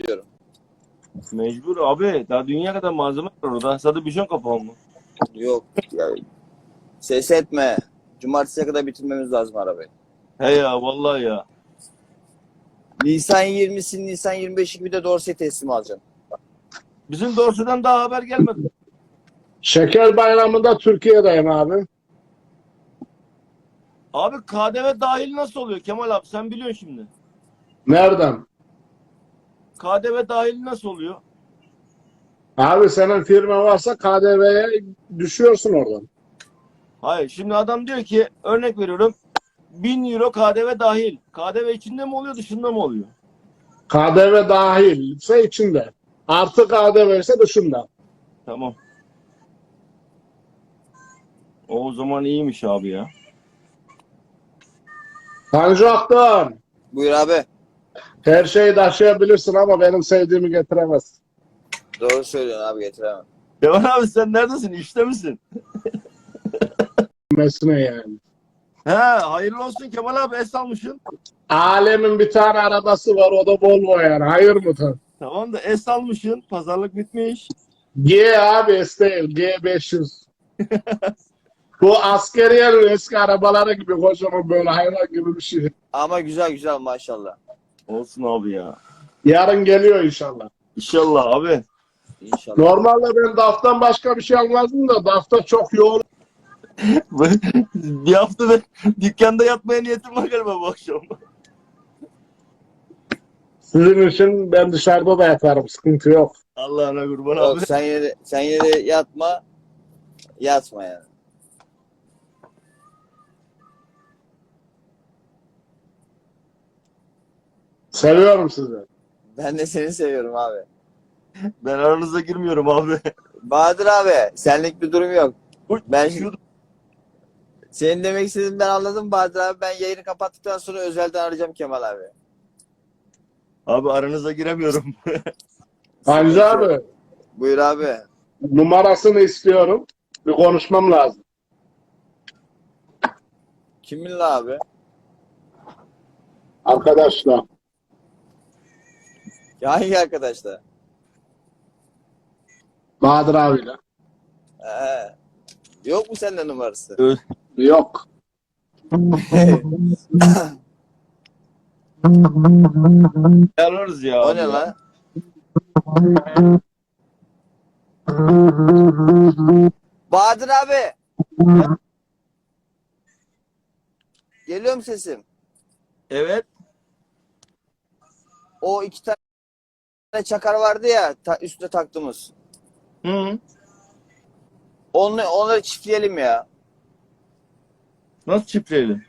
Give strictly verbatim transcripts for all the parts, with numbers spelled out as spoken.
diyorum. Mecbur abi. Daha dünya kadar malzeme var orada. Sadece bir şey kapalı mı? Yok. Yani, ses etme. Cumartesiye kadar bitirmemiz lazım arabayı. He ya vallahi ya. Nisan yirmisi, Nisan yirmi beşi gibi de Dorsey teslim alacağım. Bizim Dorsey'den daha haber gelmedi. Şeker Bayramı'nda Türkiye'deyim abi. Abi K D V dahil nasıl oluyor Kemal abi? Sen biliyorsun şimdi. Nereden? K D V dahil nasıl oluyor? Abi senin firma varsa K D V'ye düşüyorsun oradan. Hayır. Şimdi adam diyor ki örnek veriyorum. bin euro K D V dahil. K D V içinde mi oluyor dışında mı oluyor? K D V dahil ise içinde. Artı K D V ise dışında. Tamam. O zaman iyiymiş abi ya. Tanju Aktan, Buyur abi. her şeyi taşıyabilirsin ama benim sevdiğimi getiremez. Doğru söylüyorsun abi, getiremem. Kemal abi sen neredesin? İşte misin? Mesne yani. He hayırlı olsun Kemal abi es almışsın. Alemin bir tane arabası var, o da Volvo yani. Hayır mı tan? Tamam da es almışsın. Pazarlık bitmiş. G abi S değil, G beş yüz. Bu askeriyenin eski arabaları gibi kocaman böyle hayvan gibi bir şey. Ama güzel güzel maşallah. Olsun abi ya. Yarın geliyor inşallah. İnşallah abi. İnşallah. Normalde ben D A F'tan başka bir şey almazdım da D A F'ta çok yoğun. Bir hafta ben dükkanda yatmaya niyetim var galiba bu akşam. Sizin için ben dışarıda da yatarım, sıkıntı yok. Allah'ına kurban Yok, abi. sen yine de, sen yine de yatma. Yatma yani. Seviyorum sizi. Ben de seni seviyorum abi. Ben aranıza girmiyorum abi. Bahadır abi, senlik bir durum yok. Uy, Ben şu- senin demek istediğini ben anladım Bahadır abi. Ben yayını kapattıktan sonra özelden arayacağım Kemal abi. Abi aranıza giremiyorum. Tanju abi, Buyur abi. numarasını istiyorum. Bir konuşmam lazım. Kiminle abi? Arkadaşlar. Ya hangi arkadaşlar? Bahadır abiyle. Ee, yok mu sende numarası? Ö- Yok. Ararız ya. O abi ne ya. lan? Bahadır abi. Geliyor mu sesim? Evet. O iki tane çakar vardı ya ta, üstüne taktığımız. Hı. Onu, onları çiftleyelim ya. Nasıl çiftleyelim?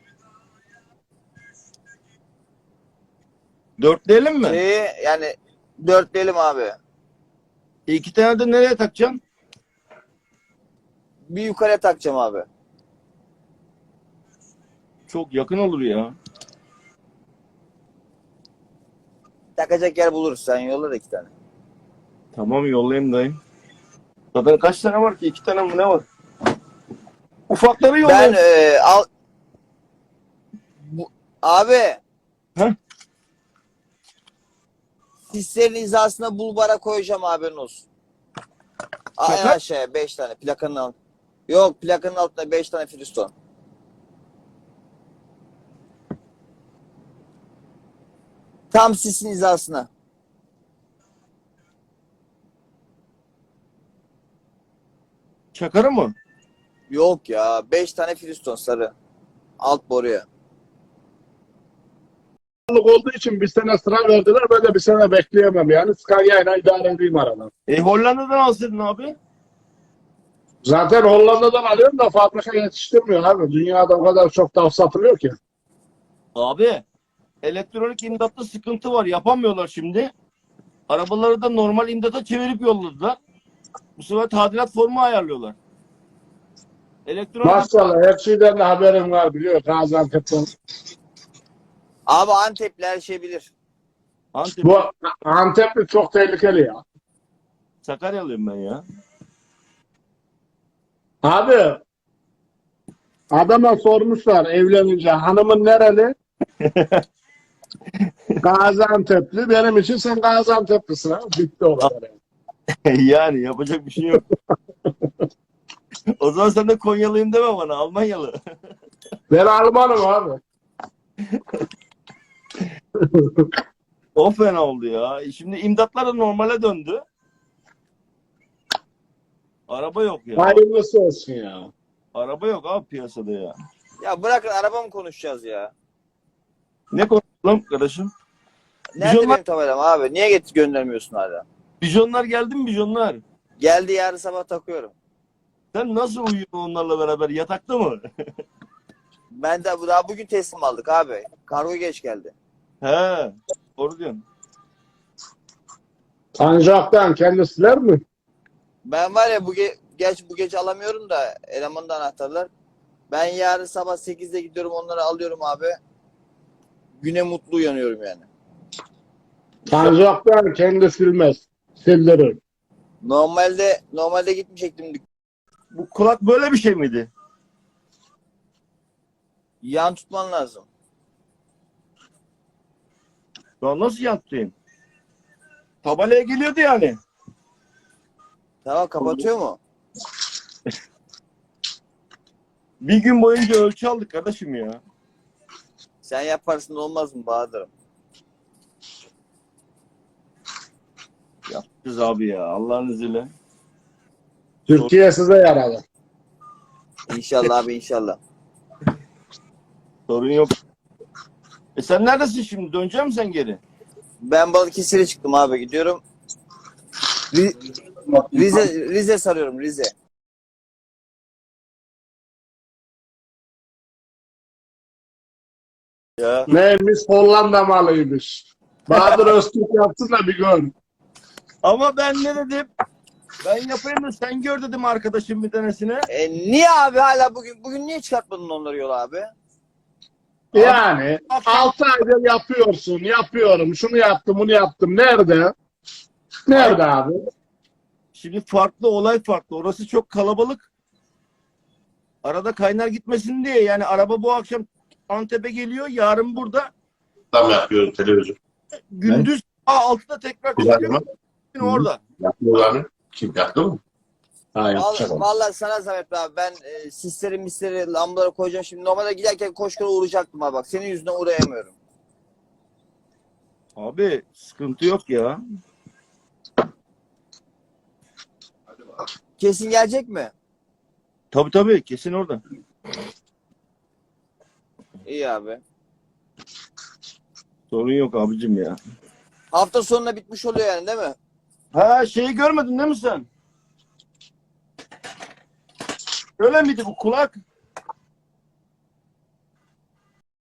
Dörtleyelim mi? Şeyi yani dörtleyelim abi. İki tane de nereye takacaksın? Bir yukarıya takacağım abi. Çok yakın olur ya. Takacak yer buluruz. Sen yolla da iki tane. Tamam yollayayım dayım. Zaten kaç tane var ki? İki tane mi ne var? Ufakları Ben yollayayım. e, al bu, abi Heh. sislerin hizasına bulvara koyacağım, haberin olsun. A- En Şaka. aşağıya beş tane plakanın alt. Yok, plakanın altında beş tane filiston. Tam sisin hizasına. Çakarı mı? Yok ya, beş tane filiston sarı. Alt boruya. Olduğu için bir sene sıra verdiler. Ben de bir sene bekleyemem yani. Scania ile idare edeyim aradan. E Hollanda'dan alsaydın abi. Zaten Hollanda'dan alıyorum da fabrika yetiştirmiyor abi. Dünyada o kadar çok D A F satılıyor ki. Abi elektronik imdatta sıkıntı var. Yapamıyorlar şimdi. Arabaları da normal imdata çevirip yolladılar. Bu sefer tadilat formu ayarlıyorlar. Elektronik Maşallah her şeyden de haberim var, biliyor Gaziantep'ten. Abi Antepli her şey bilir. Antep. Bu Antep'li çok tehlikeli ya. Sakaryalıyım ben ya. Abi adama sormuşlar evlenince hanımın nereli? Gaziantep'li. Benim için sen Gaziantep'lisin ha. Bitti o kadar. Yani. Yani yapacak bir şey yok. O zaman sen de Konyalıyım deme bana. Almanyalı. Ben Almanım abi. O fena oldu ya. Şimdi imdatlar da normale döndü. Araba yok ya. Hayırlısı olsun ya. Araba yok abi piyasada ya. Ya bırakın araba mı konuşacağız ya? Ne konuşalım kardeşim? Nerede Bijonlar- benim tabelam abi? Niye getir göndermiyorsun hala? Bijonlar geldi mi bijonlar? Geldi yarın sabah takıyorum. Sen nasıl uyuyorsun onlarla beraber? Yatakta mı? Ben de daha bugün teslim aldık abi. Kargo geç geldi. He. Doğru diyorsun. Sancaktan kendisiler mi? Ben var ya bu ge geç bu gece alamıyorum da elemanın da anahtarlar. Ben yarın sabah sekizde gidiyorum onları alıyorum abi. Güne mutlu uyanıyorum yani. Sancaktan kendi silmez. Sildirir. Normalde normalde gitmeyecektim. Bu kulak böyle bir şey miydi? Yan tutman lazım. Şu an nasıl yattın? Tabelaya geliyordu yani. Tamam kapatıyor mu? Bir gün boyunca ölçü aldık kardeşim ya. Sen yaparsın olmaz mı Bahadır'ım? Yapacağız abi ya Allah'ın izniyle. Türkiye size yaradı. İnşallah abi inşallah. Sorun yok. E sen neredesin şimdi? Dönecek misin sen geri? Ben Balıkesir'e çıktım abi gidiyorum. Ri- Rize Rize sarıyorum Rize. Ya. Neymiş Hollanda malıymış. Bahadır Öztürk yapsın da bir gör. Ama ben ne dedim? Ben yapayım da sen gör dedim arkadaşım bir tanesine. E, niye abi hala bugün bugün niye çıkartmadın onları yola abi? Yani Abi- altı aydır yapıyorsun, yapıyorum, şunu yaptım, bunu yaptım. Nerede? Nerede abi? Şimdi farklı olay farklı. Orası çok kalabalık. Arada kaynar gitmesin diye yani araba bu akşam Antep'e geliyor. Yarın burada. Tam yapıyorum televizyon. Gündüz altıda tekrar Güzel çıkıyor. mi? Gün orada. Yapıyorlar mı? Kim yaptı mı? Ha yapacak Vallahi, onu. vallahi sana zahmet be abi. Ben e, sisleri misleri lambaları koyacağım. Şimdi normalde giderken koş koş uğrayacaktım abi bak. Senin yüzünden uğrayamıyorum. Abi sıkıntı yok ya. Kesin gelecek mi? Tabii tabii kesin orada. İyi abi. Sorun yok abicim ya. Hafta sonuna bitmiş oluyor yani değil mi? Ha şeyi görmedin değil mi sen? Öyle miydi bu kulak?